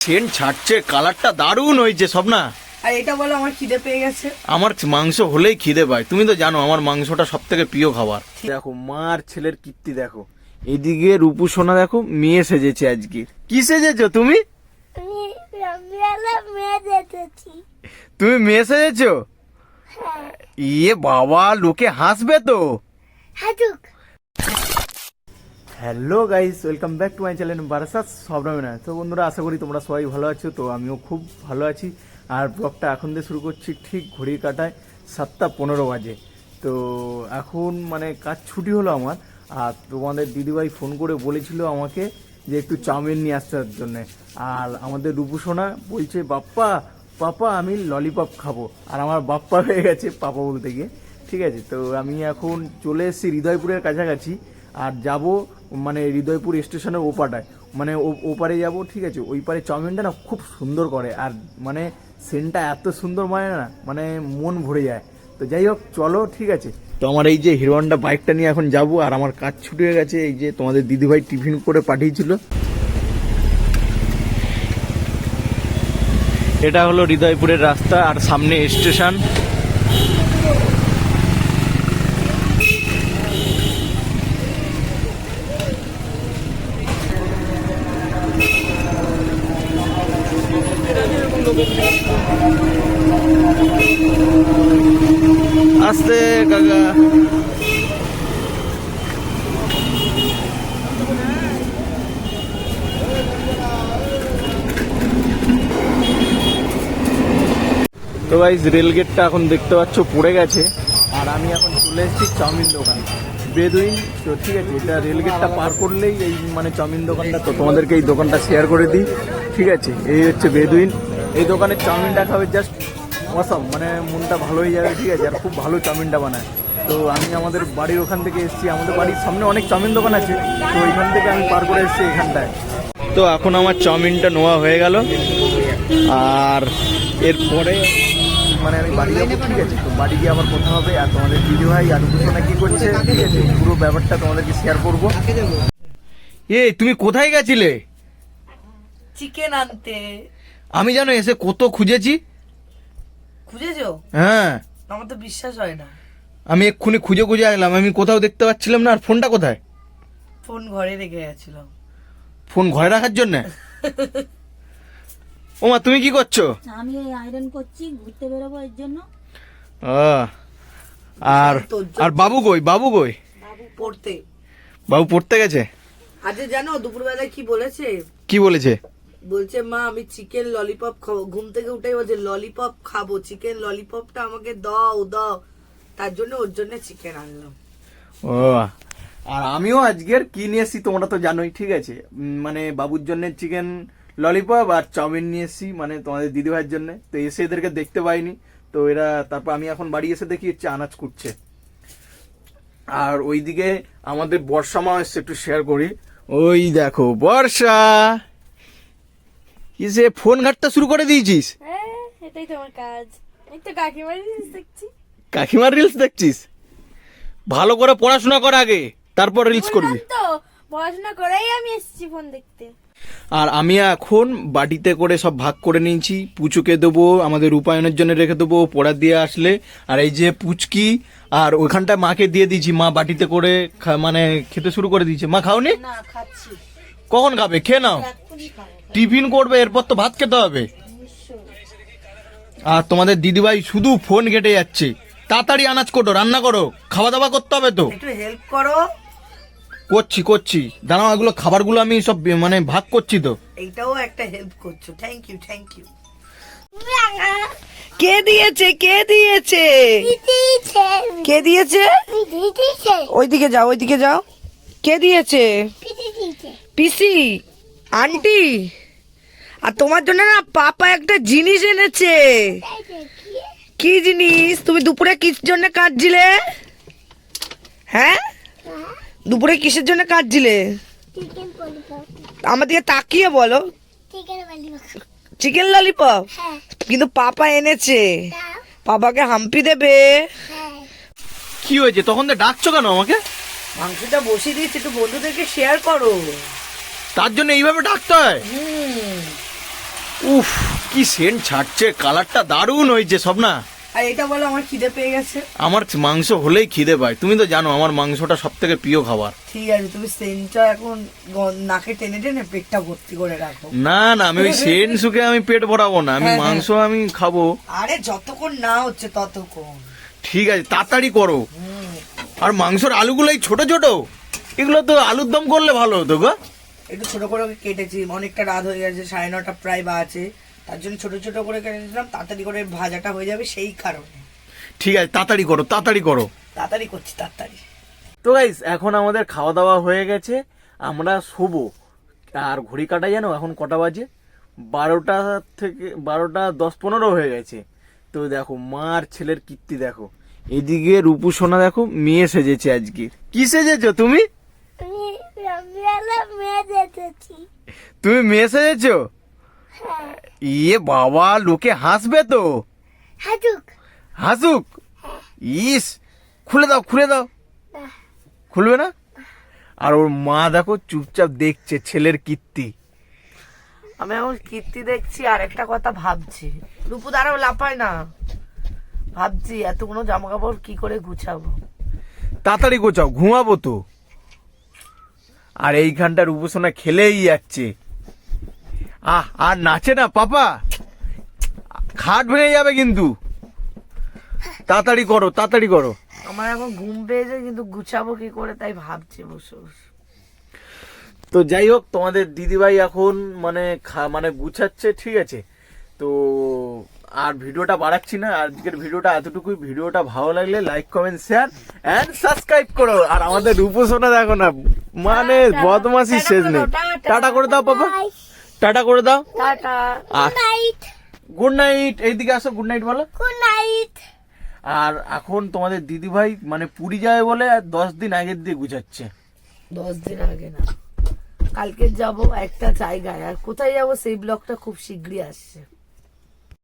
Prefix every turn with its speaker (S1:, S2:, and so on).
S1: Saint ছাড়ছে, কালারটা দারুণ হয়েছে সব না।
S2: আর এটা বলো আমার খিদে পেয়ে গেছে।
S1: আমার মাংস হলেই খিদে পায়, তুমি তো জানো আমার মাংসটা সব থেকে প্রিয় খাবার। দেখো মার ছেলের কীর্তি দেখো, এদিকে রূপু সোনা দেখো মেয়ে সেজেছে আজকে। কি সেজেছো তুমি? তুমি মেয়ে সেজেছো? ইয়ে বাবা, লোকে হাসবে তো। Hello guys, welcome back to my channel Barasat সবরামেনা। তো বন্ধুরা, আশা করি তোমরা সবাই ভালো আছো। তো আমিও খুব ভালো আছি। আর ব্লগটা এখন দিয়ে শুরু করছি ঠিক ঘড়ির কাঁটায় 7:15 বাজে। তো এখন মানে কাজ ছুটি হলো আমার। আর তোমাদের দিদিভাই ফোন করে বলেছিল আমাকে যে একটু চাউমিন নিয়ে আসার জন্যে। আর আমাদের রূপু সোনা বলছে বাপ্পা পাপা আমি ললিপপ খাবো। আর আমার বাপ্পা হয়ে গেছে পাপা বলতে গিয়ে। ঠিক আছে, তো আমি এখন চলে এসেছি হৃদয়পুরের কাছাকাছি। আর যাব মানে হৃদয়পুর স্টেশনের ওপারটায়, মানে ওপারে যাব। ঠিক আছে, ওই পারে চাউমিনটা না খুব সুন্দর করে, আর মানে সেন্টটা এত সুন্দর মানে মন ভরে যায়। তো যাই হোক চলো, ঠিক আছে। তো আমার এই যে হিরো হন্ডা বাইকটা নিয়ে এখন যাব। আর আমার কাজ ছুটি হয়ে গেছে। এই যে তোমাদের দিদিভাই টিফিন করে পাঠিয়েছিল। এটা হলো হৃদয়পুরের রাস্তা, আর সামনে স্টেশন। আস্তে কাকা। তো গাইস, রেলগেটটা এখন দেখতে পাচ্ছ পড়ে গেছে। আর আমি এখন চলে এসেছি চাউমিন দোকান বেদুইন। তো ঠিক আছে, এটা রেলগেটটা পার করলেই এই মানে চাউমিন দোকানটা। তো তোমাদেরকে এই দোকানটা শেয়ার করে দিই। ঠিক আছে, এই হচ্ছে বেদুইন। এই দোকানের চাউমিনটা খাবে জাস্ট অসাম, মানে মনটা ভালো হয়ে যাবে। ঠিক আছে, আর খুব ভালো চাউমিনটা বানায়। তো আমি আমাদের বাড়ির ওখান থেকে এসেছি। আমাদের বাড়ির সামনে অনেক চাউমিন দোকান আছে, তো ওইখান থেকে আমি পার করে এসেছি এখানটায়। তো এখন আমার চাউমিনটা নেওয়া হয়ে গেল। আর এরপরে মানে আমি বাড়ি যাবো। ঠিক আছে, তো বাড়ি গিয়ে আবার কথা হবে। আর তোমাদের দিদিভাই আর দুজনে কি করছে, ঠিক আছে, পুরো ব্যাপারটা তোমাদেরকে শেয়ার করবো। এই তুমি কোথায় গেছিলে?
S2: চিকেন আনতে।
S1: আমি জানো এসে কত খুঁজেছি।
S2: খুঁজেছো?
S1: হ্যাঁ,
S2: আমার তো বিশ্বাস হয় না।
S1: আমি এক্ষুনি খুঁজে খুঁজে আসলাম, আমি কোথাও দেখতে পাচ্ছিলাম না। আর ফোনটা কোথায়?
S2: ফোন ঘরে রেখে গেছিলাম।
S1: ফোন ঘরে রাখার জন্য? ওমা তুমি কি করছো?
S3: আমি আয়রন করছি, ঘুরতে বেরোবো এর জন্য।
S1: আর আর বাবু কই? বাবু কই?
S2: পড়তে।
S1: বাবু পড়তে গেছে।
S2: আজকে জানো দুপুরবেলায় কি বলেছে?
S1: কি বলেছে?
S2: বলছে মা আমি চিকেন ললিপপ খাবো। ঘুম থেকে উঠেই বলছে ললিপপ খাবো, চিকেন ললিপপটা আমাকে দাও দাও। তার জন্য ওর জন্য চিকেন আনলাম।
S1: ও, আর আমিও আজকের কি নিয়ে এসেছি তোমরা তো জানোই। ঠিক আছে, মানে বাবুর জন্য চিকেন ললিপপ আর চাউমিন নিয়ে এসেছি, মানে তোমাদের দিদিভাইয়ের জন্য। তো এসে এদেরকে দেখতে পাইনি। তো এরা তারপর আমি এখন বাড়ি এসে দেখি হচ্ছে আনাজ কুটছে। আর ওইদিকে আমাদের বর্ষা মা এসছে, একটু শেয়ার করি। ওই দেখো বর্ষা, কি যে ফোন ঘাটতে শুরু করে দিয়েছিস?
S3: এটাই তো আমার কাজ। এই তো কাকিমার রিলস দেখছি।
S1: কাকিমার রিলস দেখছিস? ভালো করে পড়াশোনা কর আগে, তারপর রিলস করবি।
S3: তো পড়াশোনা করেই আমি এসেছি ফোন দেখতে।
S1: আর আমি এখন বাটিতে করে সব ভাগ করে নিয়েছি। পুচুকে দেবো, আমাদের রূপায়ণের জন্য রেখে দেবো পড়া দিয়ে আসলে। আর এই যে পুচকি, আর ওইখানটায় মাকে দিয়ে দিয়েছি। মা বাটিতে করে মানে খেতে শুরু করে দিয়েছে। মা খাওনি?
S3: না, খাচ্ছি।
S1: কখন খাবে? খেয়ে নাও,
S3: এক্ষুনি খাবো।
S1: টিফিন করবে, এরপর তো ভাত খেতে হবে। আর তোমাদের দিদিভাই শুধু ফোন ঘেটে যাচ্ছে। তাড়াতাড়ি আনাজ কোটো, রান্না করো, খাওয়া দাওয়া করতে হবে তো।
S2: একটু হেল্প করো।
S1: করছি দাঁড়াও, এগুলো খাবারগুলো আমি সব মানে ভাগ করছি তো।
S2: এইটাও একটা হেল্প করছো, থ্যাংক ইউ থ্যাংক ইউ। কে দিয়েছে? কে দিয়েছে? কে দিয়েছে? ওইদিকে যাও, ওইদিকে যাও। কে দিয়েছে? পিসি, আন্টি। আর তোমার জন্য না পাপা একটা জিনিস এনেছে। কি জিনিস? তুমি দুপুরে কিসের জন্য কাঁদছিলে? হ্যাঁ, দুপুরে কিসের জন্য কাঁদছিলে? আমার দিকে তাকিয়ে বলো। Chicken lollipop. কিন্তু পাপা এনেছে, পাপাকে হাম্পি দেবে।
S1: কি হয়েছে? তখন তো ডাকছো কেন আমাকে?
S2: মাংসটা বসিয়ে দিয়েছি, একটু বন্ধুদেরকে শেয়ার করো।
S1: তার জন্য এইভাবে ডাকতে হয়? উফ, কি সেন্ট ছাড়ছে, কালারটা দারুণ হয়েছে সব না।
S2: আর এটা বলো আমার খিদে পেয়ে গেছে।
S1: আমার মাংস হলেই খিদে পায়, তুমি তো জানো আমার মাংসটা সব থেকে প্রিয় খাবার।
S2: ঠিক আছে, তুমি সেন্টটা এখন নাকে টেনে টেনে পেটটা ভর্তি করে রাখো।
S1: না না, আমি ওই সেন্ট শুকে আমি পেট ভরাবো না, আমি মাংস আমি খাবো।
S2: আরে যতক্ষণ না হচ্ছে ততক্ষণ।
S1: ঠিক আছে, তাড়াতাড়ি করো। আর মাংসের আলুগুলো এই ছোট ছোট, এগুলো তো আলুর দম করলে ভালো হতো গো।
S2: একটু ছোট করে কেটেছি, অনেকটা রাত হয়ে গেছে, 9:30 প্রায় বাজে, তার জন্য ছোট ছোট করে কেটেছিলাম, তাড়াতাড়ি করে ভাজাটা হয়ে যাবে সেই কারণে।
S1: ঠিক আছে, তাড়াতাড়ি করো, তাড়াতাড়ি করো।
S2: তাড়াতাড়ি করছি, তাড়াতাড়ি।
S1: তো গাইস, এখন আমাদের খাওয়া দাওয়া হয়ে গেছে, আমরা শোবো। আর ঘড়ি কাটা জানো এখন কটা বাজে? 12টা থেকে 12:10-15 হয়ে গেছে। তো দেখো মা আর ছেলের কীর্তি দেখো, এদিকে রূপু সোনা দেখো মেয়ে সেজেছে আজকে। কি সেজেছো তুমি?
S3: আমি রবিবেলা মেয়ে দেখেছি।
S1: তুমি মেয়ে সেজেছো? ইয়ে বাবা, লোকে হাসবে তো।
S3: হাজুক
S1: হাসুক? ইস, খুলে দাও, খুলে দাও। খুলবে না? আর ওর মা দেখো চুপচাপ দেখছে ছেলের কীর্তি।
S2: আমি এখন কীর্তি দেখছি আর একটা কথা ভাবছি। রূপু দাঁড়াও, লাফায় না। ভাবছি এতগুলো জামা কাপড় কি করে গুছাবো।
S1: তাড়াতাড়ি গোছাও, ঘুমাবো তো। আর এইখানটা রূপসোনা খেলেই যাচ্ছে। আর নাচে না পাপা, খাট ভেঙে যাবে কিন্তু। তাড়াতাড়ি করো, তাড়াতাড়ি করো।
S2: আমার এখন ঘুম পেয়েছে, কিন্তু গুছাবো কি করে তাই ভাবছি বসে বসে।
S1: তো যাই হোক, তোমাদের দিদিভাই এখন মানে গুছাচ্ছে, ঠিক আছে। তো আর ভিডিওটা বাড়াচ্ছি না, আজকের ভিডিওটা এতটুকুই। ভিডিওটা ভালো লাগলে like, comment, share and subscribe করো। আর আমাদের রূপসোনা দেখো না, মানে বদমাসি শেষ নেই। টাটা করে দাও পাপা, টাটা করে দাও।
S2: টাটা।
S1: Good night. এইদিকে আসো, গুড নাইট বলো।
S3: Good night.
S1: আর এখন তোমাদের দিদিভাই মানে পুরী যায় বলে 10 দিন আগের দিয়ে গুছাচ্ছে।
S2: 10 দিন আগে না, কালকে যাব একটা জায়গায়। আর কোথায় যাব সেই ব্লগটা খুব শীঘ্রই আসছে।